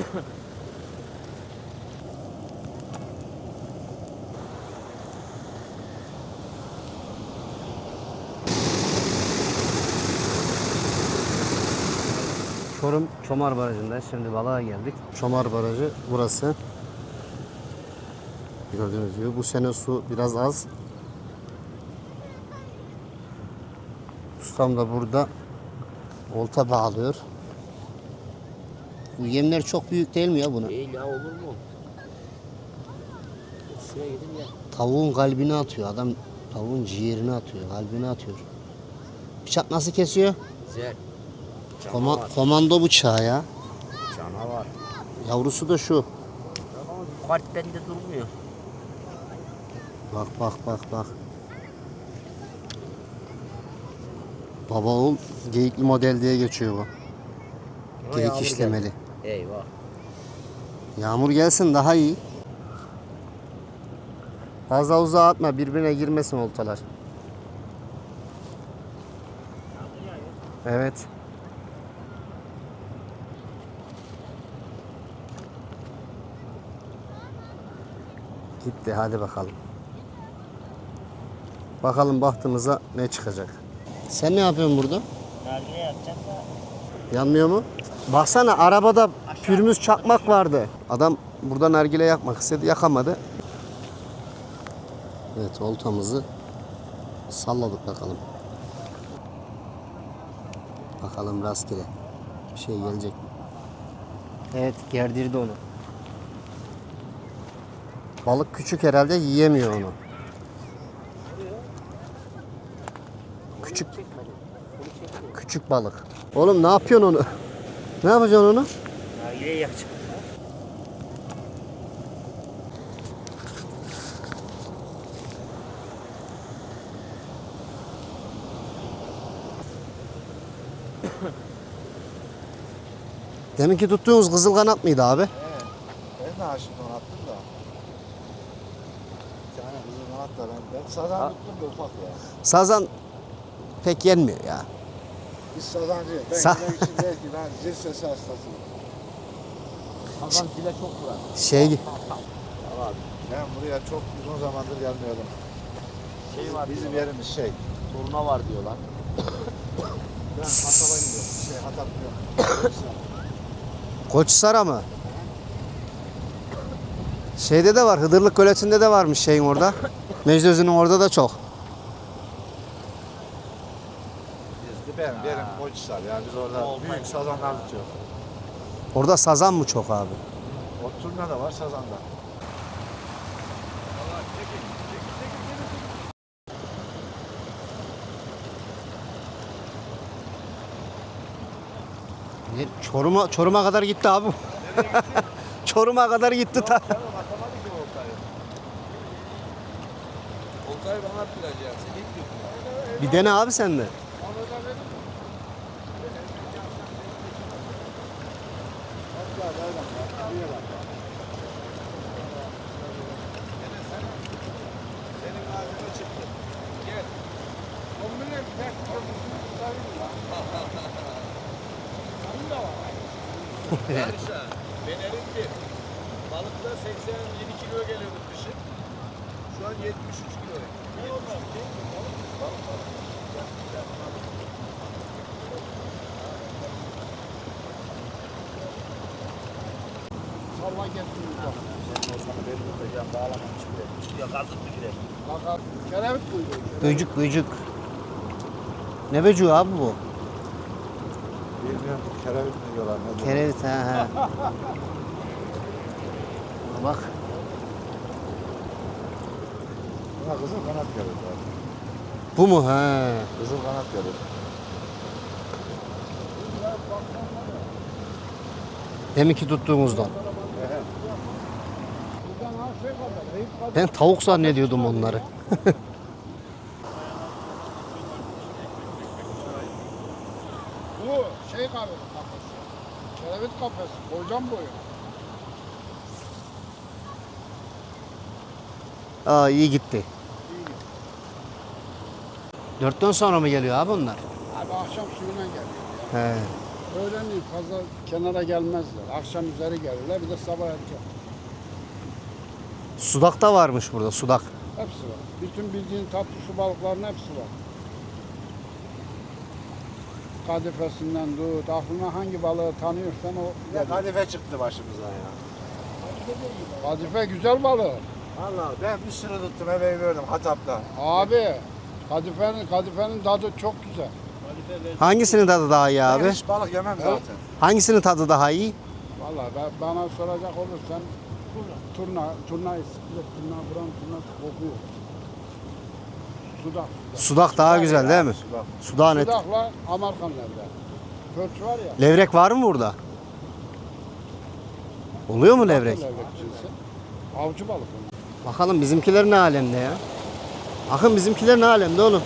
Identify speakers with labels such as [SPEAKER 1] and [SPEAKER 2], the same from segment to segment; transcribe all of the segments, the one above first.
[SPEAKER 1] Çorum Çomar Barajı'nda şimdi balığa geldik. Çomar Barajı burası. Gördüğünüz gibi bu sene su biraz az. Ustam da burada olta bağlıyor. Bu yemler çok büyük değil mi ya buna?
[SPEAKER 2] Değil ya, olur mu? Şuraya gidin ya.
[SPEAKER 1] Tavuğun kalbini atıyor adam. Tavuğun ciğerini atıyor, kalbini atıyor. Bıçak nasıl kesiyor?
[SPEAKER 2] Güzel.
[SPEAKER 1] Komando bıçağı ya.
[SPEAKER 2] Canavar.
[SPEAKER 1] Yavrusu da şu.
[SPEAKER 2] Ama kart bende durmuyor.
[SPEAKER 1] Bak bak bak bak. Baba oğul geyikli model diye geçiyor bu.
[SPEAKER 2] Ama
[SPEAKER 1] Geyik
[SPEAKER 2] yağmur
[SPEAKER 1] işlemeli.
[SPEAKER 2] geldi. Eyvah.
[SPEAKER 1] Yağmur gelsin daha iyi. Fazla uzağa atma, birbirine girmesin oltalar. Evet. Gitti, hadi bakalım. Bakalım bahtımıza ne çıkacak. Sen ne yapıyorsun burada?
[SPEAKER 2] Nargile yapacağım da.
[SPEAKER 1] Yanmıyor mu? Baksana arabada pürmüz çakmak vardı. Adam burada nargile yakmak istedi, yakamadı. Evet, oltamızı salladık bakalım. Bakalım rastgele bir şey gelecek mi? Evet, gerdirdi onu. Balık küçük herhalde, yiyemiyor onu. Küçük balık. Oğlum ne yapıyorsun onu? Ne yapacaksın onu?
[SPEAKER 2] Nargile yakacağım.
[SPEAKER 1] Deminki tuttuğunuz kızıl kanat mıydı abi?
[SPEAKER 3] Evet. Ben de aşık attım da. Bir tane kızıl kanat da ben sazan tuttum da ufak ya.
[SPEAKER 1] Sazan pek yenmiyor ya.
[SPEAKER 3] Biz sazancıyız. Ben
[SPEAKER 1] Sa-
[SPEAKER 3] yemek için değil ki ben zil sesi hastasıyım.
[SPEAKER 2] Sazan dile çok vurar.
[SPEAKER 1] Şey
[SPEAKER 3] Ben buraya çok uzun zamandır gelmiyordum.
[SPEAKER 2] Şey var
[SPEAKER 3] Bizim
[SPEAKER 2] diyorlar.
[SPEAKER 3] yerimiz şey.
[SPEAKER 2] Turna var diyorlar.
[SPEAKER 3] Ben Hatay'a gidiyorum. Hatay diyorum.
[SPEAKER 1] Koçsara mı? Şeyde de var, Hıdırlık Göleti'nde de varmış şeyin orada. Mecdözü'nün orada da çok.
[SPEAKER 3] Benim Koçhisar ya. Biz orada büyük sazanlar tutuyoruz.
[SPEAKER 1] Orada sazan mı çok abi?
[SPEAKER 3] O turna da var, sazan da.
[SPEAKER 1] Çorum'a kadar gitti abi. Çorum'a kadar gitti ta.
[SPEAKER 3] Oltayı bana attıracaksın.
[SPEAKER 1] Bir dene abi sen de.
[SPEAKER 3] Senin ağzına çıktı. Gel. Yarışa. Benerin bir. Balıkta 87 kilo geliyordu kışın. Şu an 73 kilo. Ne olmaz ki? Salla getirdim.
[SPEAKER 2] Sen o sana beni tutacağım, bağlamamış bile. Ya kazık mı girer?
[SPEAKER 3] Bakar. Kerevit buydu.
[SPEAKER 1] Böcük böcük. Ne böcüğü abi bu?
[SPEAKER 3] Bilmiyorum. Kerevit mi diyorlar? Ne diyorlar?
[SPEAKER 1] Kerevit ha. Bak.
[SPEAKER 3] Buna kızıl kanat kerevit var.
[SPEAKER 1] Bu mu ha?
[SPEAKER 3] Kızıl kanat kerevit.
[SPEAKER 1] Deminki tuttuğumuzdan. Ben tavuk zannediyordum onları.
[SPEAKER 3] Bu şey kafesi. Kerevit kafesi. Boydan boyu.
[SPEAKER 1] Aa iyi gitti. 4'ten sonra mı geliyor abi onlar?
[SPEAKER 3] Abi akşam suyuna geliyor.
[SPEAKER 1] He.
[SPEAKER 4] Öğlenleyin fazla kenara gelmezler. Akşam üzeri gelirler. Bir de sabah erken.
[SPEAKER 1] Sudak da varmış burada, sudak.
[SPEAKER 4] Hepsi var. Bütün bildiğin tatlı su balıklarının hepsi var. Kadifesinden tut, aklına hangi balığı tanıyorsan o.
[SPEAKER 2] Bir de kadife çıktı başımıza ya.
[SPEAKER 4] Kadife güzel balık.
[SPEAKER 2] Vallahi ben bir sürü tuttum eve verdim Hatap'ta.
[SPEAKER 4] Abi, kadifenin tadı çok güzel.
[SPEAKER 1] Hangisinin tadı daha iyi
[SPEAKER 2] Ben
[SPEAKER 1] abi?
[SPEAKER 2] hiç balık yemem zaten.
[SPEAKER 1] Hangisinin tadı daha iyi?
[SPEAKER 4] Vallahi bana soracak olursan turna istiyor, turna buram turnası kokuyor. Sudak.
[SPEAKER 1] Sudak daha güzel değil mi?
[SPEAKER 2] Sudak.
[SPEAKER 1] Sudak net.
[SPEAKER 4] Sudakla Amerikan levrek. Pörç var ya.
[SPEAKER 1] Levrek var mı burada? Oluyor mu levrek?
[SPEAKER 4] Levrek cinsi. Avcı balık onlar.
[SPEAKER 1] Bakalım bizimkiler ne alemde ya? Akın bizimkiler ne alemde oğlum?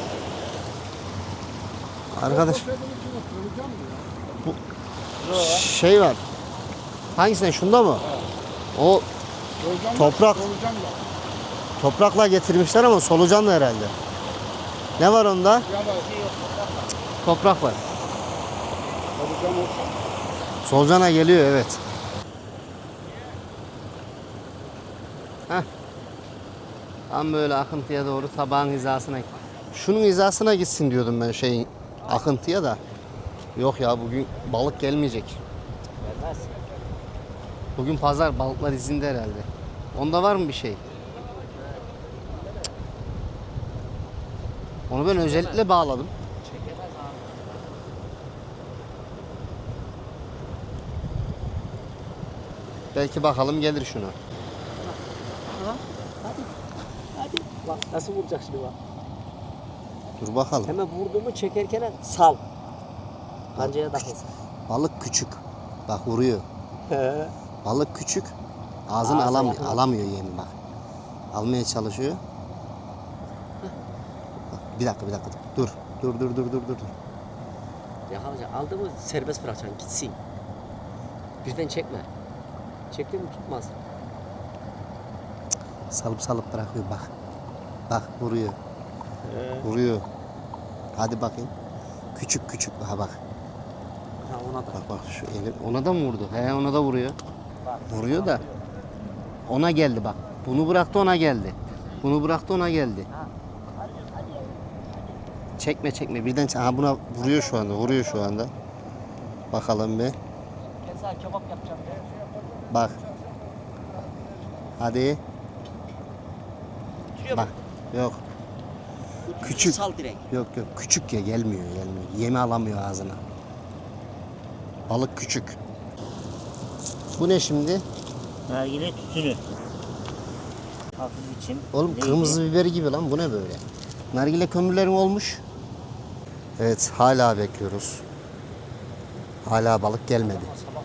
[SPEAKER 1] Arkadaş
[SPEAKER 4] Poşetin içine sığacağım mı ya?
[SPEAKER 1] şey var. Hangisinden? Şunda mı? O
[SPEAKER 4] Sığacağım
[SPEAKER 1] Toprak.
[SPEAKER 4] Sığacağım da.
[SPEAKER 1] toprakla getirmişler ama solucanlı herhalde. Ne var onda?
[SPEAKER 4] Ya da
[SPEAKER 1] Toprak var.
[SPEAKER 4] sığacağım olsa.
[SPEAKER 1] Solucana geliyor evet. Heh. Tam böyle akıntıya doğru tabağın hizasına. Şunun hizasına gitsin diyordum ben şeyin akıntıya da. Yok ya bugün balık gelmeyecek.
[SPEAKER 2] Gelmez.
[SPEAKER 1] Bugün pazar balıklar izinde herhalde. Onda var mı bir şey? Onu ben özellikle bağladım. Belki bakalım gelir şuna.
[SPEAKER 5] Hadi bak nasıl vuracak şimdi bak.
[SPEAKER 1] Dur bakalım.
[SPEAKER 5] Hemen vurduğumu çekerken sal. Kancaya takılsın.
[SPEAKER 1] Balık küçük. Bak vuruyor. Balık küçük. Ağzını
[SPEAKER 5] Ağzı
[SPEAKER 1] alamıyor.
[SPEAKER 5] yakın.
[SPEAKER 1] Alamıyor yemi bak. Almaya çalışıyor. Bak, bir dakika. Dur. Dur.
[SPEAKER 5] Yakalayacak. Aldı mı serbest bırakacaksın gitsin. Birden çekme. Çekti mi tutmaz.
[SPEAKER 1] Salıp bırakıyor bak. Bak vuruyor. Vuruyor. Hadi bakayım. Küçük. Ha bak.
[SPEAKER 5] Ha ona da.
[SPEAKER 1] Bak şu eli ona da mı vurdu? He ona da vuruyor. Vuruyor da ona geldi bak. Bunu bıraktı ona geldi. Bunu bıraktı ona geldi. Çekme birden ha buna vuruyor şu anda. Bakalım bir.
[SPEAKER 5] Ben sana kebap yapacağım.
[SPEAKER 1] Bak. Hadi.
[SPEAKER 5] Tutuyor
[SPEAKER 1] Bak. Yok. Küçük.
[SPEAKER 5] Sal direkt.
[SPEAKER 1] Yok küçük ya gelmiyor. Yemi alamıyor ağzına. Balık küçük. Bu ne şimdi?
[SPEAKER 6] Nargile tütünü. Hafif biçim.
[SPEAKER 1] Oğlum
[SPEAKER 6] Neydi?
[SPEAKER 1] kırmızı biberi gibi lan bu ne böyle? Nargile kömürlerin olmuş. Evet hala bekliyoruz. Hala balık gelmedi.